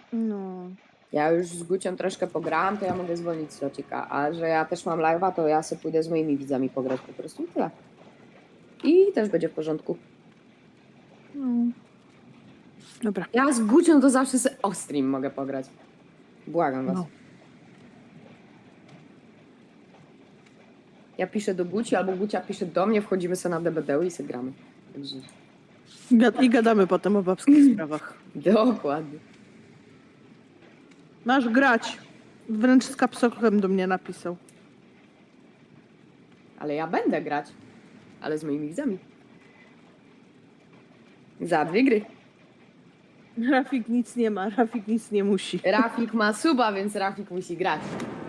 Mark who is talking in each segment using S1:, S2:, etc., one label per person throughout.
S1: No.
S2: Ja już z Gucią troszkę pograłam, to ja mogę zwolnić slocika, a że ja też mam live'a, to ja sobie pójdę z moimi widzami pograć po prostu i tyle. I też będzie w porządku.
S1: No. Dobra.
S2: Ja z Gucią to zawsze sobie off-stream mogę pograć. Błagam was.
S1: No.
S2: Ja piszę do Guci, albo Gucia pisze do mnie, wchodzimy sobie na DBD i sobie gramy. Także...
S1: I gadamy potem o babskich sprawach.
S2: Dokładnie.
S1: Masz grać. Wręcz z kapsokiem do mnie napisał.
S2: Ale ja będę grać. Ale z moimi widzami. Za 2 gry.
S1: Rafik nic nie ma, Rafik nic nie musi.
S2: Rafik ma suba, więc Rafik musi grać.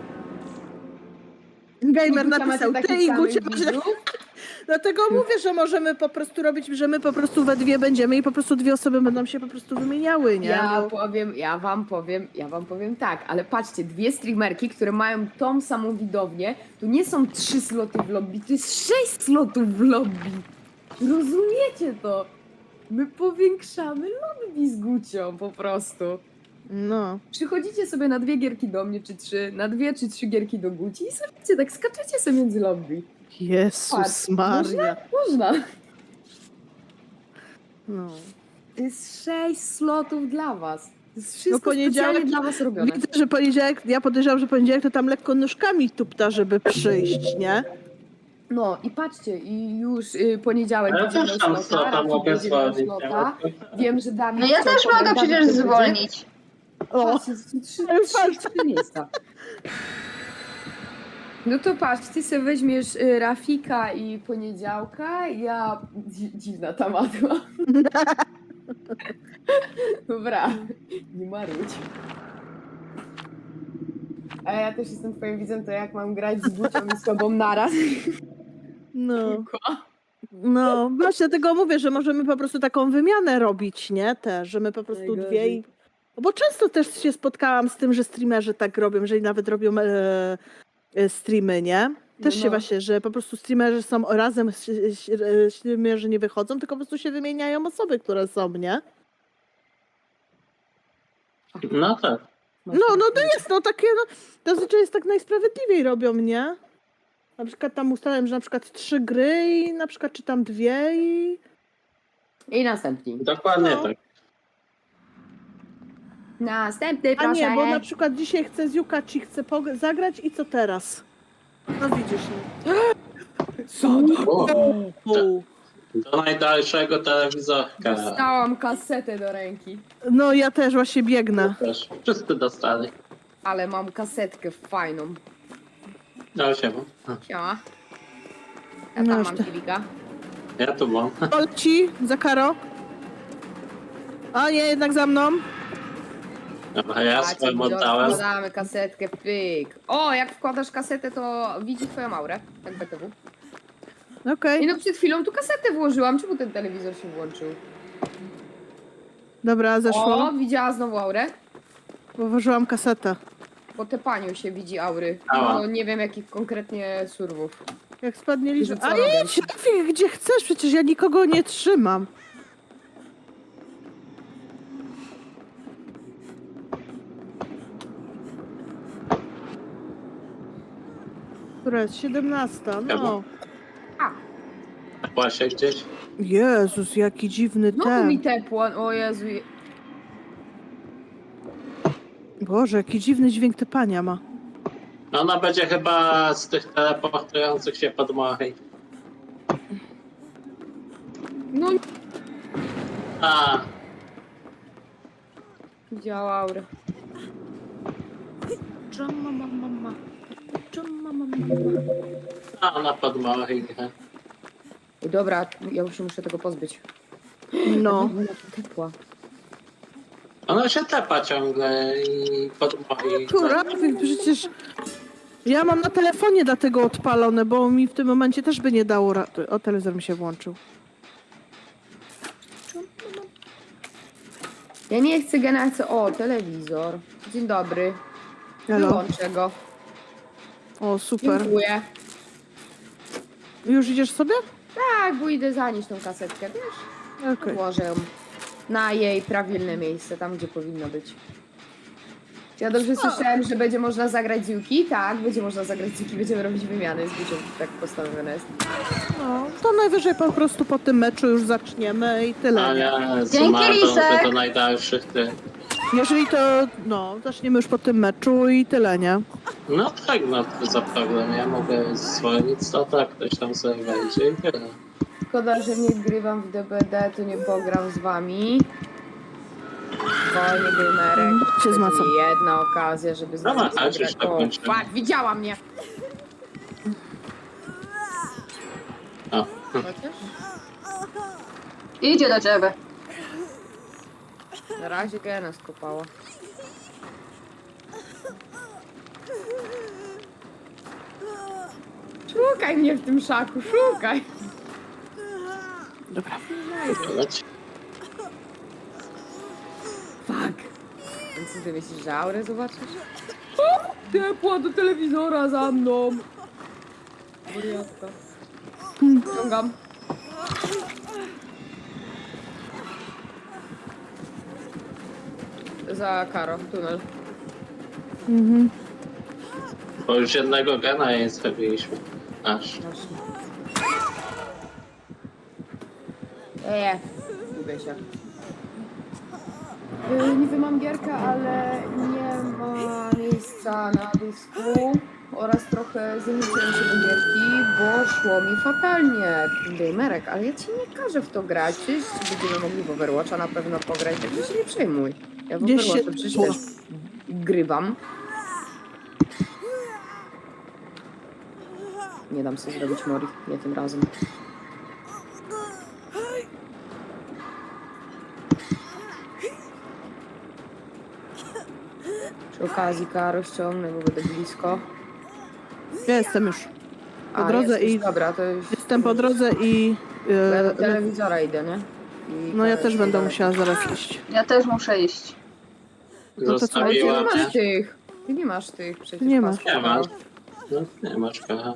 S1: Gamer
S2: Gucia
S1: napisał,
S2: macie
S1: ty
S2: takich
S1: i Gucia
S2: samych
S1: macie...
S2: widzów?
S1: Dlatego mówię, że możemy po prostu robić, że my po prostu we dwie będziemy i po prostu dwie osoby będą się po prostu wymieniały, nie?
S2: Ja wam powiem tak, ale patrzcie, 2 streamerki, które mają tą samą widownię, to nie są 3 sloty w lobby, to jest 6 slotów w lobby. Rozumiecie to? My powiększamy lobby z Gucią po prostu.
S1: No.
S2: Przychodzicie sobie na 2 gierki do mnie, czy 3, na 2 czy 3 gierki do Guci i sobie tak skaczecie sobie między lobby.
S1: Jezus
S2: Patrz,
S1: Maria.
S2: Można.
S1: No.
S2: To jest 6 slotów dla was. To jest wszystko
S1: poniedziałek-
S2: specjalnie dla was robione.
S1: Widzę, że poniedziałek, ja podejrzewam, że poniedziałek to tam lekko nóżkami tupta, żeby przyjść, nie?
S2: No i patrzcie, i już poniedziałek
S3: Ale
S2: będzie
S3: też
S2: miał
S3: tam
S2: slota,
S3: slota
S2: Rafik
S3: mogę
S2: będzie miał
S3: zwolnić.
S2: slota. Wiem, że Dawid
S4: No ja
S2: chciał
S4: też mogę
S2: pograć,
S4: przecież
S2: Dawid to
S4: zwolnić.
S1: O,
S2: Patrzcie, trzy miejsca. No to patrz, ty sobie weźmiesz Rafika i poniedziałka, ja... Dziwna ta matma. Dobra, nie marudź. A ja też jestem twoim widzem, to jak mam grać z Gucią i z tobą naraz?
S1: no. No, właśnie dlatego mówię, że możemy po prostu taką wymianę robić, nie? Też, że my po prostu
S2: Najgorzej.
S1: dwie i... No bo często też się spotkałam z tym, że streamerzy tak robią, że nawet robią streamy, nie? Też
S2: No.
S1: się właśnie, że po prostu streamerzy są razem, streamerzy nie wychodzą, tylko po prostu się wymieniają osoby, które są, nie?
S3: No tak.
S1: No to jest, no takie, no, to zazwyczaj jest tak najsprawiedliwiej robią, nie? Na przykład tam ustalałem, że na przykład 3 gry i na przykład czy tam 2 i...
S2: I następni.
S3: Dokładnie
S1: No.
S3: tak.
S2: Następny,
S1: A
S2: proszę.
S1: nie, bo na przykład dzisiaj chcę z Yukachi, chcę zagrać i co teraz? No widzisz,
S3: O,
S1: no.
S3: do najdalszego telewizorka.
S2: Dostałam kasetę do ręki.
S1: No ja też właśnie biegnę.
S3: Też. Wszyscy dostali.
S2: Ale mam kasetkę fajną.
S3: No siema.
S2: Siema. Ja
S1: No
S2: tam
S1: już
S2: mam
S1: to-
S2: kilika.
S3: Ja tu mam.
S1: To leci za Karo. A nie, jednak za mną.
S3: Dobra, ja
S2: Patrzcie,
S3: swoją
S2: widzę,
S3: oddałem.
S2: wkładamy kasetkę, pyk. O, jak wkładasz kasetę, to widzi twoją aurę. Tak BTW.
S1: Okej,
S2: I no przed chwilą tu kasetę włożyłam. Czemu ten telewizor się włączył?
S1: dobra, zeszło.
S2: O, widziała znowu aurę?
S1: Położyłam kasetę.
S2: Po tepaniu się widzi aury.
S3: Ała.
S2: No nie wiem jakich konkretnie surwów.
S1: Jak spadnie liczba.
S2: Co
S1: A
S2: robię?
S1: idź, Rafik, gdzie chcesz, przecież ja nikogo nie trzymam. Która jest 17, no.
S2: A,
S3: Właśnie gdzieś.
S1: Jezus, jaki dziwny
S2: znowu mi
S1: ten.
S2: tepło. O Jezu.
S1: Boże, jaki dziwny dźwięk typania ma.
S3: No ona będzie chyba z tych teleportujących się podmochy.
S2: No
S3: A,
S2: widziała aurę.
S3: a ona podmochy.
S2: Dobra, ja już się muszę tego pozbyć.
S1: No.
S2: Ona tu tepła.
S3: Ona się tepa ciągle i podmochy.
S1: Tu, Rafik, przecież ja mam na telefonie dlatego odpalone, bo mi w tym momencie też by nie dało. O, telewizor mi się włączył.
S2: Ja nie chcę generacji. O, telewizor. Dzień dobry.
S1: Halo.
S2: Wyłączę go.
S1: O, super.
S2: Dziękuję.
S1: Już idziesz sobie?
S2: Tak, bo idę zanieść tą kasetkę, wiesz?
S1: Okej.
S2: Włożę ją na jej prawilne miejsce, tam gdzie powinno być. Ja dobrze słyszałem, że będzie można zagrać z Yuki? Tak, będzie można zagrać z Yuki, będziemy robić wymiany z Gucią, tak postanowione jest.
S1: No, to najwyżej po prostu po tym meczu już zaczniemy i tyle,
S3: A
S1: nie?
S3: ja z
S4: Dzięki,
S3: Martą,
S4: Lisek.
S3: że do najdalszych ty.
S1: Jeżeli to, no, zaczniemy już po tym meczu i tyle, nie?
S3: No tak, no to za problem. Ja mogę zwolnić, to tak, ktoś tam sobie wejdzie i tyle.
S2: Szkoda, że nie grywam w DBD, to nie pogram z wami. Spokojnie, Gamerek.
S1: Się zmacam.
S2: Jedna okazja, żeby z
S3: Dobra,
S2: nami
S3: chodź,
S2: zagrać.
S3: już tak
S2: O,
S3: kończymy.
S2: fuck, widziała mnie!
S3: O,
S2: Chociaż?
S4: Idzie do ciebie.
S2: Na razie Gena skopała. Szukaj mnie w tym szaku, szukaj!
S1: Dobra.
S3: leć.
S2: Fuck! Więc co ty myślisz, że aurę zobaczysz? O! Ciepła do telewizora za mną! Wariatka. Ciągam. Za Karo, tunel.
S1: Mhm.
S3: Bo już jednego gena jej zrobiliśmy. Aż.
S2: Właśnie. Gubię się. Niby mam gierkę, ale nie ma miejsca na dysku oraz trochę zaniesiłem się do gierki, bo szło mi fatalnie. Gamerek, ale ja ci nie każę w to grać, przecież będziemy mogli w Overwatcha na pewno pograć, także się nie przejmuj. Ja w
S1: Gdzieś się
S2: Overwatcha przecież też grywam. Nie dam sobie zrobić Mori, nie tym razem. Przy okazji Karo ściągnę, bo będę blisko.
S1: Ja jestem już po drodze
S2: jesteś,
S1: i
S2: dobra, to już...
S1: jestem po drodze i...
S2: Ja do telewizora idę, nie? I
S1: no ja
S2: to
S1: też
S2: jest
S1: będę
S2: dalej.
S1: musiała zaraz iść.
S4: Ja też muszę iść.
S1: to co,
S2: Ale ty
S3: Zostawiła
S2: nie
S3: mnie.
S2: masz tych. Ty nie masz tych przecież.
S1: Nie ma.
S2: pasków,
S3: Nie
S2: Karo.
S3: masz. No, nie masz kocha.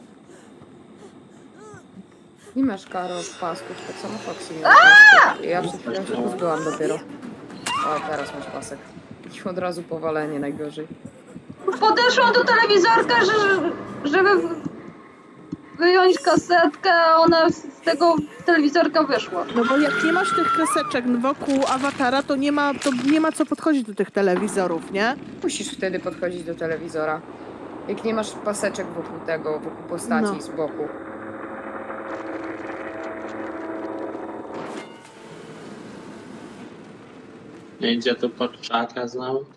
S2: Nie masz Karo pasków, tak samo Foxy nie ma pasków. Ja przed chwilą się pozbyłam dopiero. O, teraz masz pasek. I od razu powalenie najgorzej.
S4: Podeszłam do telewizorka, żeby wyjąć kasetkę, a ona z tego telewizorka wyszła.
S1: No bo jak nie masz tych kreseczek wokół awatara, to nie ma co podchodzić do tych telewizorów, nie?
S2: Musisz wtedy podchodzić do telewizora. Jak nie masz paseczek wokół tego, wokół postaci
S1: No.
S2: z boku.
S3: Nie idzie tu pod czaka znowu.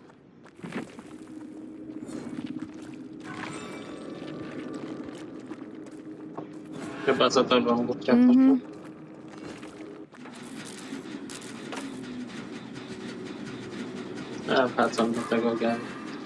S3: Chyba za tobą głupia
S1: Mhm.
S3: Ja wracam do tego gena.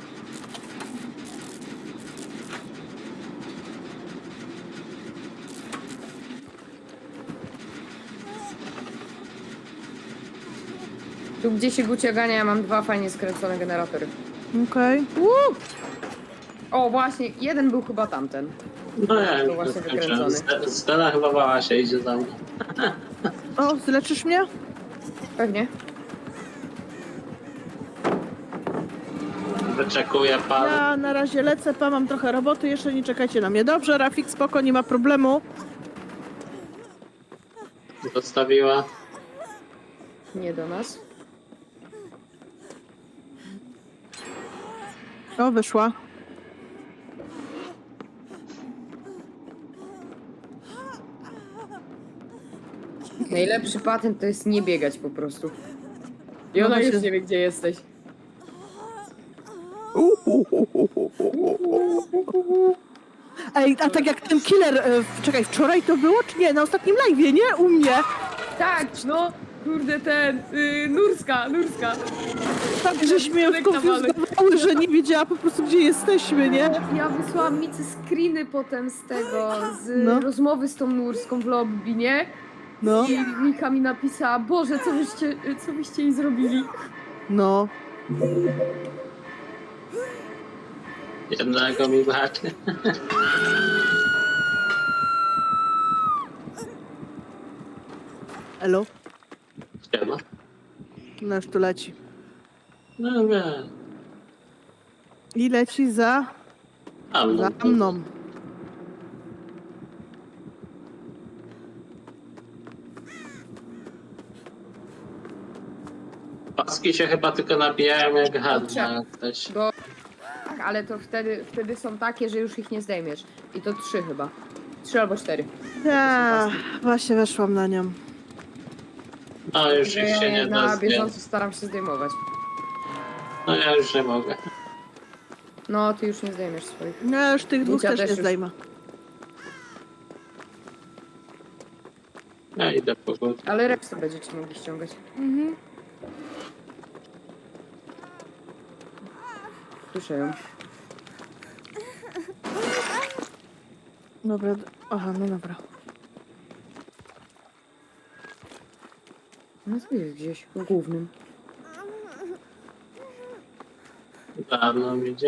S2: Tu gdzie się Gucia gania, ja mam 2 fajnie skręcone generatory.
S1: Okej.
S2: O, właśnie, jeden był chyba tamten.
S3: No ja
S2: To
S3: już
S2: właśnie
S3: skończyłem.
S2: wykręcony.
S3: Stella chyba bała się, idzie za mną.
S1: O, zleczysz mnie?
S2: Pewnie.
S3: Wyczekuję pan.
S1: Ja na razie lecę, mam trochę roboty, jeszcze nie czekajcie na mnie. Dobrze, Rafik, spoko, nie ma problemu.
S3: Zostawiła.
S2: Nie do nas.
S1: O, wyszła.
S2: Najlepszy patent to jest nie biegać po prostu. I
S1: No
S2: ona
S1: właśnie.
S2: już nie wie, gdzie jesteś.
S1: Ej, a tak jak ten killer, czekaj, wczoraj to było, czy nie? Na ostatnim live'ie, nie? U mnie.
S2: Tak, no, kurde ten, Nurska.
S1: Tak, żeśmy ją
S2: Tyłek nawalny.
S1: skonfuzjowały, że nie wiedziała po prostu, gdzie jesteśmy, nie?
S2: Ja wysłałam Micy screeny potem z tego, z
S1: No.
S2: rozmowy z tą Nurską w lobby, nie?
S1: No,
S2: I Mika mi napisała, Boże, co byście jej zrobili?
S1: no.
S3: Jednego mi braknie.
S1: Elo?
S3: Siema.
S1: No już tu leci.
S3: No wiem.
S1: I leci za mną.
S3: Paski się chyba tylko nabijają jak hadna. Ktoś.
S2: Bo... Tak, ale to wtedy są takie, że już ich nie zdejmiesz. I to 3 chyba. 3 albo 4.
S1: Ja, właśnie weszłam na nią.
S3: No już ich się nie da
S2: Na
S3: zdjąć.
S2: bieżąco staram się zdejmować.
S3: No ja już nie mogę.
S2: No, ty już nie zdejmiesz swoich.
S1: No już tych dwóch
S2: Lucia
S1: też
S2: też
S1: nie
S2: już.
S1: zdejmę.
S3: Ja idę po górę.
S2: Ale resztę będziecie mogli ściągać.
S1: Mhm.
S2: Słyszę ją.
S1: Dobra, aha, no dobra.
S2: No tu jest gdzieś, w głównym.
S3: Dawno idzie.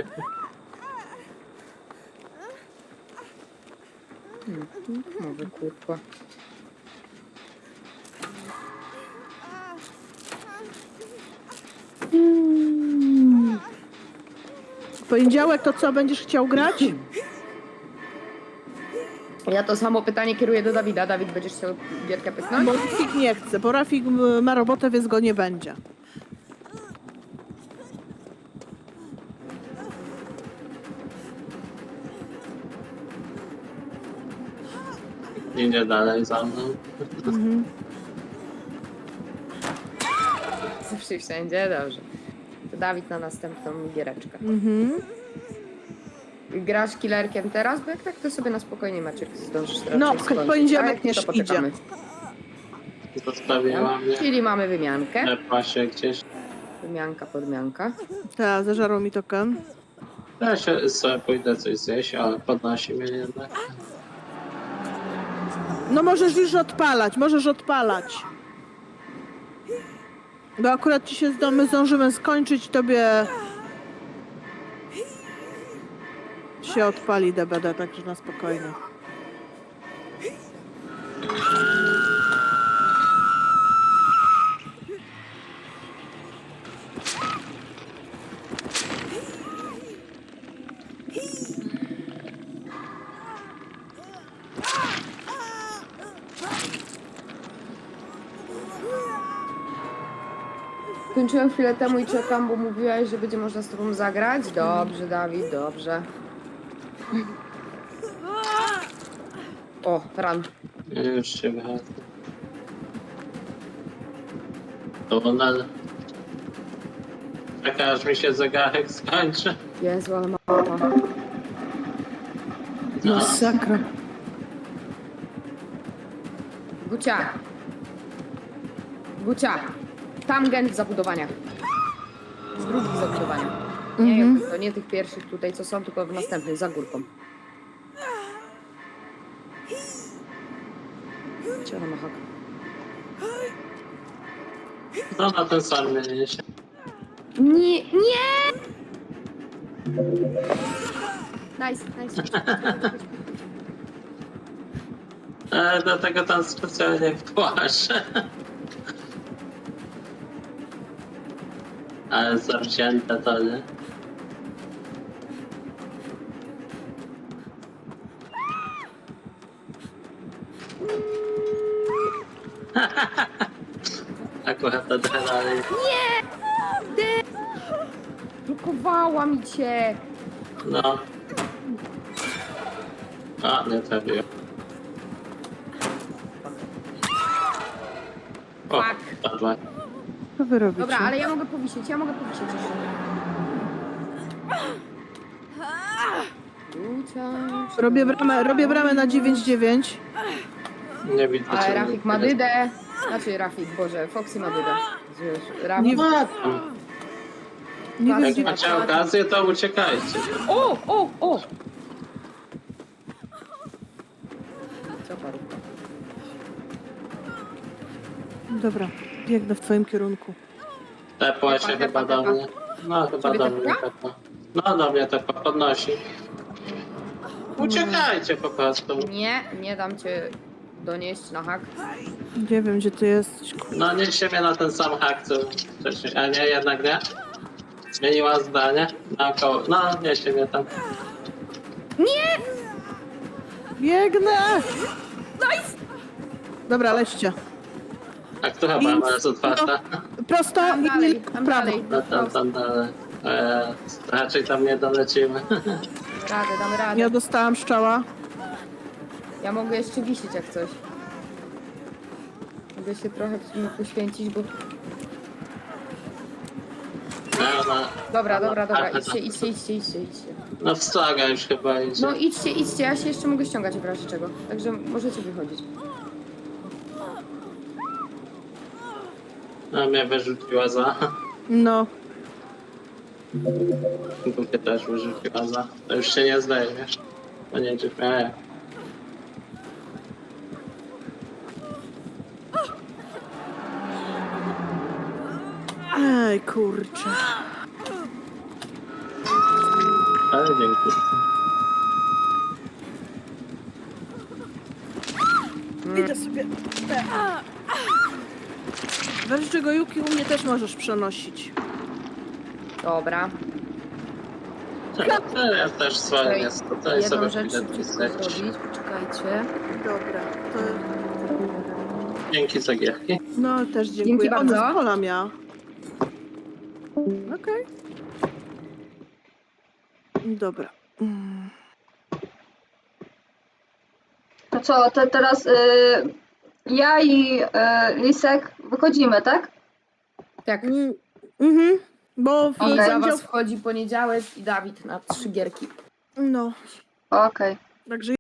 S2: Może kurwa.
S1: W poniedziałek to co, będziesz chciał grać?
S2: Ja to samo pytanie kieruję do Dawida. Dawid, będziesz chciał gierkę pyknąć?
S1: Bo Rafik nie chce, bo Rafik ma robotę, więc go nie będzie.
S3: Idzie dalej za mną.
S2: Zawsze i wszędzie, dobrze. To Dawid na następną giereczkę.
S1: Mhm.
S2: Grasz killerkiem teraz? Bo jak tak, to sobie na spokojnie Maciek zdążysz raczej
S1: No,
S2: skończyć.
S1: poniedziałek
S2: A jak nie, to
S1: też idzie.
S2: poczekamy.
S3: Zostawiła mnie.
S2: Czyli mamy wymiankę.
S3: Tepła się gdzieś.
S2: Wymianka, podmianka.
S1: Tak, zażarł mi token.
S3: Ja się sobie pójdę coś zjeść, ale podnosi mnie jednak.
S1: No możesz już odpalać, możesz odpalać. Bo akurat ci się my zdążymy skończyć, tobie się odpali DBD, także na spokojnie.
S2: Kończyłem chwilę temu i czekam, bo mówiłaś, że będzie można z tobą zagrać. Dobrze, Dawid, dobrze. O, ran.
S3: Już się wychodzę. Tunel. Czekaj, aż mi się zegarek skończy.
S2: Jezu, ale mapa.
S3: No.
S1: Masakra.
S2: Gucia. Gucia. Tam gen w zabudowaniach. Z drugich zabudowaniach. Nie,
S1: Mhm.
S2: to nie tych pierwszych tutaj, co są, tylko w następnych, za górką. Ciała ma hak.
S3: No na ten sam mnie się.
S2: Nie, nie! Nice, nice.
S3: Do tego tam specjalnie wpłaszę. Ale zawzięte to, nie? Akurat adrenalin.
S2: Blokowała mi cię.
S3: No. A, nie trafiłem. O,
S2: Fuck.
S3: padła.
S1: Co wy robicie?
S2: Dobra, ale ja mogę powisieć jeszcze. Gucia.
S1: Robię bramę na 9-9.
S3: Nie widzę.
S2: Ale
S3: czemu
S2: Rafik ma dydę. Znaczy Rafik, Boże, Foxy ma dydę. Rafik.
S1: Nie- Nie
S2: Tak.
S1: wiem,
S3: Jak
S1: gdzie...
S3: macie okazję, to uciekajcie.
S2: O! Co parówka?
S1: Dobra, biegnę w twoim kierunku.
S3: Tepła się
S2: Tepa,
S3: chyba
S2: tepa,
S3: do
S2: tepa.
S3: mnie. No chyba
S2: Ciebie
S3: do mnie
S2: tepła?
S3: tepła. No do mnie tepła, podnosi. Uciekajcie po prostu.
S2: Nie dam cię donieść na hak.
S1: Nie wiem, gdzie ty jesteś.
S3: No nieście mnie na ten sam hak, co wcześniej. A nie, jednak nie? Zmieniła zdanie? Naokoło. No, niesie mnie tam.
S1: Biegnę! Dobra, lećcie.
S3: A która brama jest otwarta?
S1: Prosto
S2: Tam
S1: i
S2: dalej,
S1: w
S2: tam
S1: prawo.
S2: dalej.
S3: No tam dalej. Raczej tam nie dolecimy.
S2: Radę, damy radę.
S1: Ja dostałam szczała.
S2: Ja mogę jeszcze wisieć jak coś. Mogę się trochę w sumie poświęcić, bo... Dobra. Idźcie.
S3: No w Saga już chyba idzie.
S2: No idźcie, ja się jeszcze mogę ściągać w razie czego. Także możecie wychodzić.
S3: A mnie wyrzuciła za.
S1: No.
S3: Mnie też wyrzuciła za. To już się nie zdejmiesz. To nie czy miałem.
S1: Ej, kurczę.
S3: Ale dzięki.
S1: Idę sobie. Weź czego Yuki u mnie też możesz przenosić.
S2: Dobra.
S3: Ja też swoje jest. Tutaj
S2: Jedną
S3: sobie
S2: rzecz
S3: pójdę
S2: szybciutko
S3: pisać.
S2: zrobić. Poczekajcie.
S1: Dobra, to...
S3: Dzięki za gierki.
S1: No, też dziękuję.
S2: Dzięki bardzo.
S1: Ona z pola miała. Okej. Dobra.
S4: To co, teraz ja i Lisek wychodzimy, tak?
S2: Tak.
S1: Mhm. Bo w
S2: I za
S1: poniedział...
S2: was wchodzi poniedziałek i Dawid na 3 gierki.
S1: No,
S4: Okej.
S1: także